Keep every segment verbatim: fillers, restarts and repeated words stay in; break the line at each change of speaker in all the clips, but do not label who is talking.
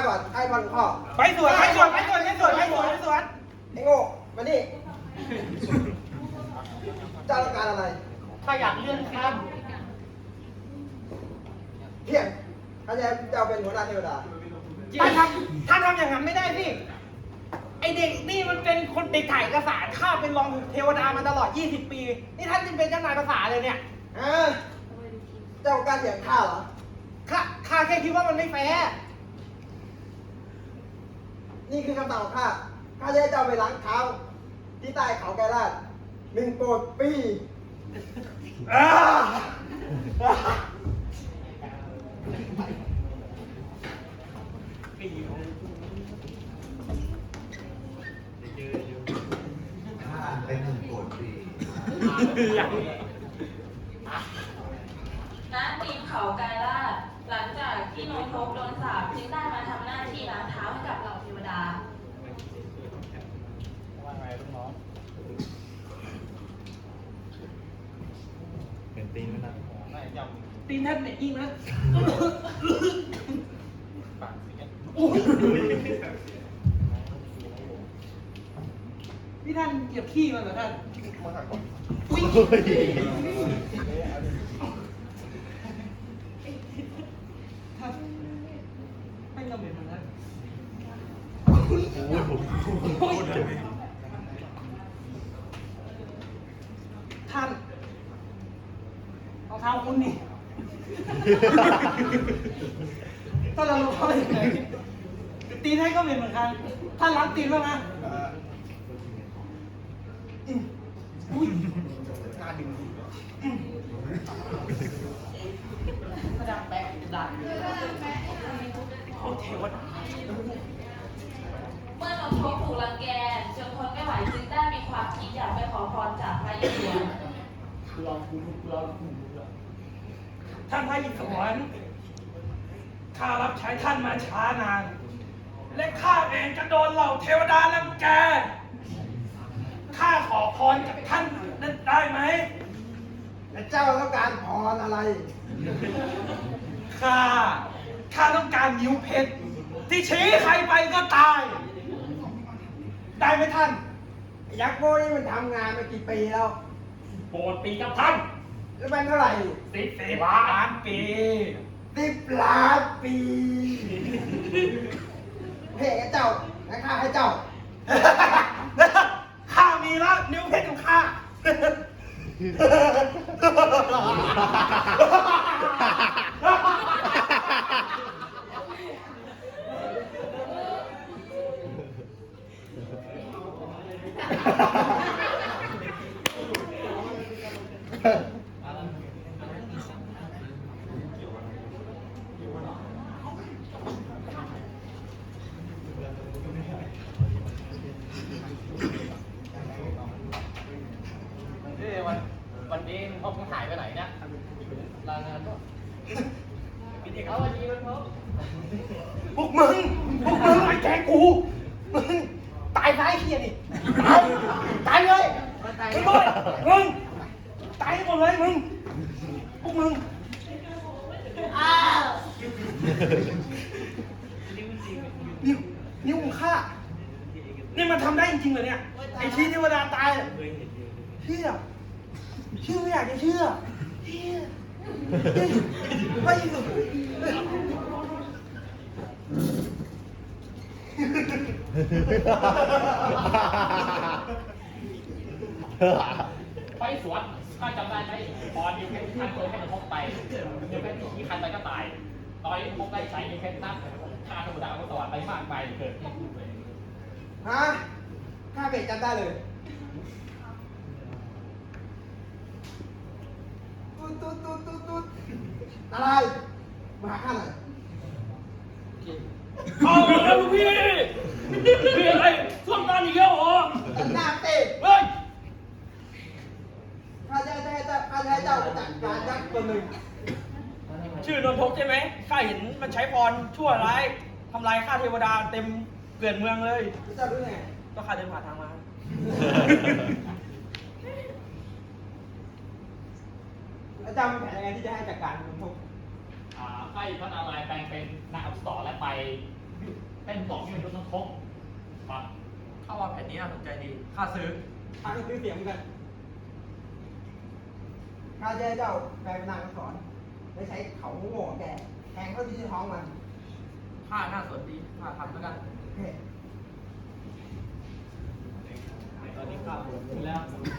ก่อนให้พันข้อ
ไปสวนไปสวนไปสวนไปสวนไปสวนไปสวน
ไอ้โง่มานี่เจ้าต้องการอะไร
ถ้าอยากเลื่อนขั้น
เพี้ยนถ้าจะเจ้าเป็นหัวหน้าเทวดา
ท่านทำท่านทำอย่างนั้นไม่ได้สิไอเด็กนี่มันเป็นคนเด็กถ่ายเอกสารข้าเป็นรองเทวดามาตลอดยี่สิบปีนี่ท่านจึงเป็นเจ้านายภาษาเลยเนี่ย
ฮะเจ้าการเถียงข้าเหรอ
ข้าข้าแค่คิดว่ามันไม่แฟร์
นี่คือคำสั่งของข้า ข้าจะให้เจ้าไปล้างเท้า ที่ใต้เขาไกรลาดหนึ่งโกดปี
อ่า
เป็นหนึ่งโกดปี
ณตีนเขากายลาดหลังจากที่โนทกโดนสาปจึงได้มาทำหน้าที่ล้างเท้าให้กับเหล่าเทวดา
เป็นตีนไม่นาน
ตีนท่านเนี่ยยิ่งนะ นี่ท่านเหยียบขี้มันเหรอท่านอุ๊ยท่านไม่จำเป็นมันนะท่านเอาเท้าคุณนี่ถ้าเราลงเข้าไปยังไงตีนให้ก็เป็นเหมือนกันท่านล้างตีนบ้างนะอุ้ยน่าดึงกระดังแปะกระดังโอ้เทวดา
เมื่อโนทกถูกรังแกจนทนไม่ไหวจึงได้มีความคิดอยากไปขอพรจากพระอิศวร
ท่านพระอิศวรข้ารับใช้ท่านมาช้านาน และข้าเองจะโดนเหล่าเทวดารังแกข้าขอพรจากท่านนั้นได้ไหม
และเจ้าต้องการพรอะไร
ข้า ข้าต้องการนิ้วเพชรที่ชี้ใครไปก็ตาย ได้ไหมท่าน
ยักษ์โง่นี่มันทำงานมากี่ปีแล้ว
โปรดปีกับท่าน
แล้วมันเท่าไหร่
สิบสิบล้านปี
สิบล้านปีเฮ้ยเจ้าให้ข้าให้เจ้า
ข้ามีแล้วนิ้วเพชรของข้า
วันวันนี้มันพบหายไปไหนเนี่ยลางานก็เอาวันนี้มันพบ
พวกมึง พวกมึงไอ้แกกู มึง ตายซะไอ้เหี้ยนี่ ตาย ตายเลยมึงด้วยมึง ตายให้หมดเลยมึง พวกมึง อ้าวนิ้วนิ้วของข้า นี่มันทำได้จริงๆเหรอเนี่ย ไอ้ชี้เทวดาตายอะเชื่อเชื่อไม่อยากจะเชื่อเชื่อไม่สุด
ไปสวนข้าจำได้ไหมพอนิวเพชรท่านเคยให้มันพบไปนิวเพชรที่คันไปก็ตายตอนนี้พบได้ใช้นิวเพชรนั่นฆ่าธรรมดาก็สวรรค์ไปมากไปเกิด
ฮะ ข้าเบรกจำได้เลยตุ๊ดตุ๊ดตุ๊ดตุ๊ดตุ๊ดอะไร มาหาข้าหน่อย
เอาแล้วลูกพี่พี่อะไรส้วมตาอีกแล้วเหรอ
ตัดหน้าเตะ
เฮ้ย
ข้าจะให้เจ้าข้าจะให้เจ้าจัดการยักษ์ตัวหนึ่ง
ชื่อนนทกใช่ไหมข้าเห็นมันใช้พรชั่วร้ายทำลายข้าเทวดาเต็มเกลื่อนเมืองเลย
เจ้ารู้ไง
ก็ข้าเดินผ่านทางมา
แล้วเจ้ามีแผนยังไงที่จะให้จัดการนนทก
ให้พระนารายณ์แปลงเป็นนักอักษรและไปเป็นสองที่เป็นยุทธทงครับ
เข้ามาแผ่นนี้น่าสนใจดีข้าซื้อ
ข้าก็ซื้อเสียงเหมือนกันข้าจะให้เจ้าแปลเป็นนางอักษรและใช้เขาโง่ของแกแทงเข้าที่ท้องมัน
ข้าน่าสนดีข้าทำแล้วกัน
เฮ้ย
ตอนนี้ข้าปวดหัวแล้ว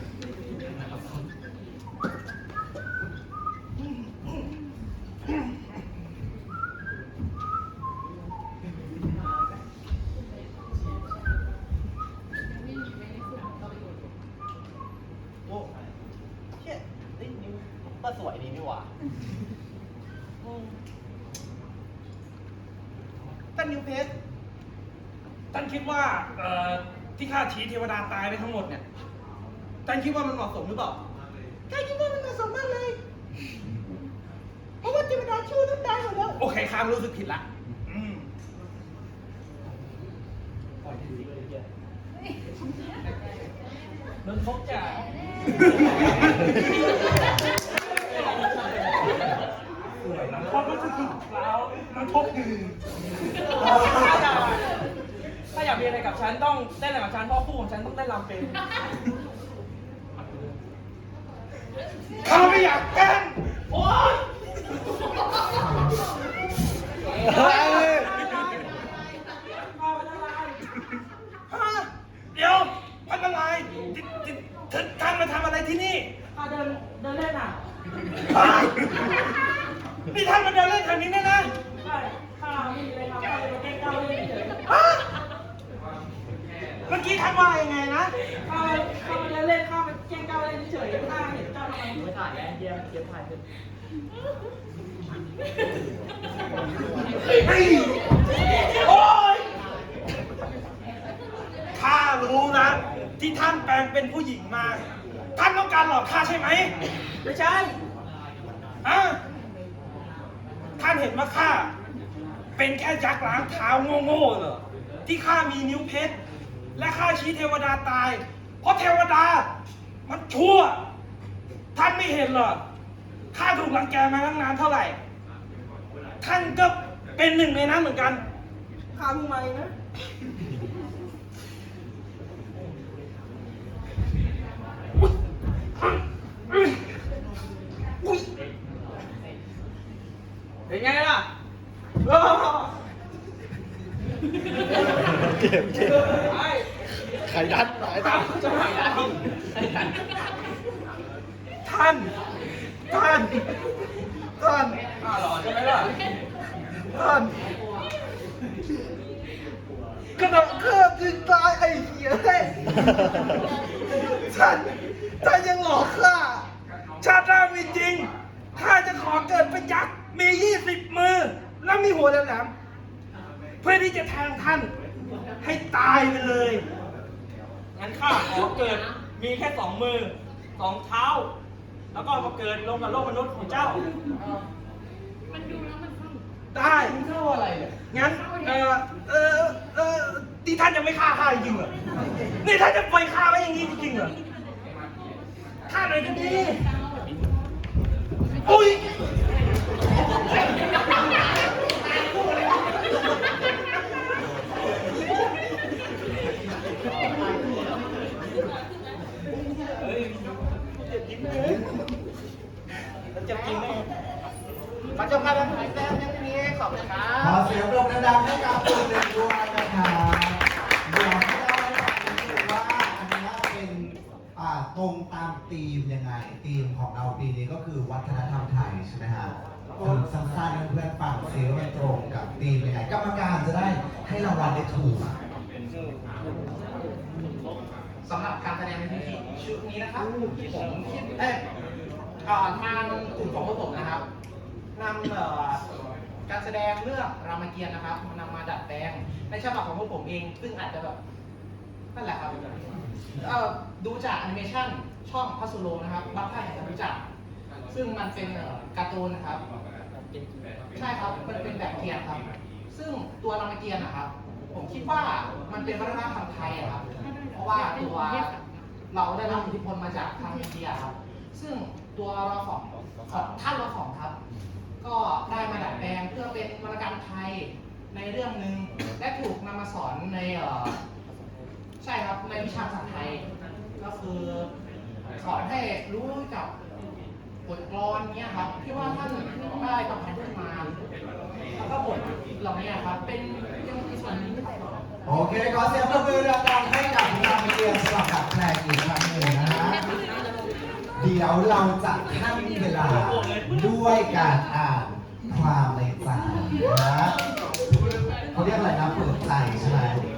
โอ้เชี่ยนี่นิ้วก็สวยดีนี่หว่าท่านนิวเพชรท่านคิดว่าเอ่อที่ข้าชี้เทวดาตายไปทั้งหมดเนี่ยท่านคิดว่ามันเหมาะสมหรือเปล่าข้าคิดว่ามันเหมาะสมมากเลย เพราะว่าเทวดาชั่วต้องตายหมดแล้ว โอเคข้ารู้สึกผิดละอืม
นนทกจะ
ความรู้สึกของเรามันพบคือถ้าอยากมีอะไรกับฉันต้องเต้นอะไรกับฉันเพราะคู่ของฉันต้องเต้นรำเป็นข้าไม่อยากเต้นโอ๊ยเดี๋ยวพันอะไรท่านมาทำอะไรที่นี่ข้าเดินเดินเล่นอ่ะนี่ท่านมาเดินเล่นแถวนี้แน่นะใช่ข้าไม่มีอะไรทำข้าเลยมาแกล้งเจ้าเล่นเฉยเมื่อกี้ท่านว่ายังไงนะข้าข้ามาเดินเล่นข้ามาแกล้งเจ้าเล่นเฉยข้าเห็นเจ้าทำไมไม่ถ่ายแล้วเยี่ยมเยี่ยมถ่ายเลยโอ๊ยข้ารู้นะที่ท่านแปลงเป็นผู้หญิงมาท่านต้องการหลอกข้าใช่ไหมไม่ใช่อะท่านเห็นว่าข้าเป็นแค่ยักษ์ล้างเท้าโง่ๆเหรอที่ข้ามีนิ้วเพชรและข้าชี้เทวดาตายเพราะเทวดามันชั่วท่านไม่เห็นเหรอข้าถูกรังแกมาตั้งนานเท่าไหร่ท่านก็เป็นหนึ่งในนั้นเหมือนกันข้าเพิ่งมาเองนะเป็นไงล่ะ
เจ็บเจ็บไข่ดันไข่ดัน
จะไข่ดันท่าน ท่าน ท่านข้าหล่อใช่ไหมล่ะ ท่านกระโดดเครื่องจึงตายไอ้เหี้ยเฮ้ยท่านท่านยังหลอกข้าชาติหน้ามีจริงข้าจะขอเกิดเป็นยักษ์มียี่สิบมือแล้วมีหัวแหลมๆเพื่อที่จะแทงท่านให้ตายไปเลยงั้นข้าขอเกิดมีแค่สองมือสองเท้าแล้วก็มาเกิดลงกับโลกมนุษย์ของเจ้ามันดูแล้วมันได้มันเข้าอะไรเนี่ยงั้นเออเออเออที่ท่านจะไม่ฆ่าข้าจริงเหรอนี่ท่านจะปล่อยข้าไว้อย่างนี้จริงเหรอฆ่าหน่อยก็ดีอุ้ยจะกินได้มาจบการถ่ายแซมยังไม่มีขอบคุณครับ
ขอเสียงปรบมือดังให้กับคุณเด็กด้วยนะครับเดี๋ยวให้เราให้ฟังดูว่าอันนี้เป็นอ่าตรงตามธีมยังไงธีมของเราปีนี้ก็คือวัฒนธรรมไทยใช่ไหมฮะสรุปสั้นๆให้เพื่อนฟังซิว่ามันตรงกับธีมยังไงกรรมการจะได้ให้รางวัลได้ถูก
สำหรับการแสดงในพิธีชุดนี้นะครับผมคิดเอ้ยเอ่อทางกลุ่มของพวกผมนะครับนำเอ่อการแสดงเรื่องรามเกียรติ์นะครับนำมาดัดแปลงในฉบับของพวกผมเอง ซึ่งอาจจะแบบนั่นแหละครับเอ่อดูจากแอนิเมชันช่องพัสโลนะครับบางท่านอาจจะรู้จักซึ่งมันเป็นเอ่อการ์ตูนนะครับใช่ครับมันเป็นแบบเทียนครับซึ่งตัวรามเกียรติ์นะครับผมคิดว่ามันเป็นวัฒนธรรมไทยอะครับเพราะว่าตัวเราได้รับอิทธิพลมาจากทางอินเดียครับซึ่งตัวเราของของท่านเราของครับ ก็ได้มาดัดแปลงเพื่อเป็นวรรณกรรมไทย
ในเรื่องหนึ่งและถูกนำมาสอนในเอ่อใช่ครับในวิชาภาษาไทย ก็คือสอนให้รู้จักบทกลอนเนี้ยครับที่ว่าท่านได้ประพันธ์ขึ้นมาแล้วก็บทเหล่านี้ครับเป็นยังมีส่วนนี้
โอเคขอเสียงปรบมือดังๆให้กับงานเรียนสำหรับดัดแปลงอีกครั้งหนึ่งนะฮะเดี๋ยวเราจะให้เวลาด้วยการอ่านความในใจนะเขาเรียกอะไรนะเปิดใจใช่ไหม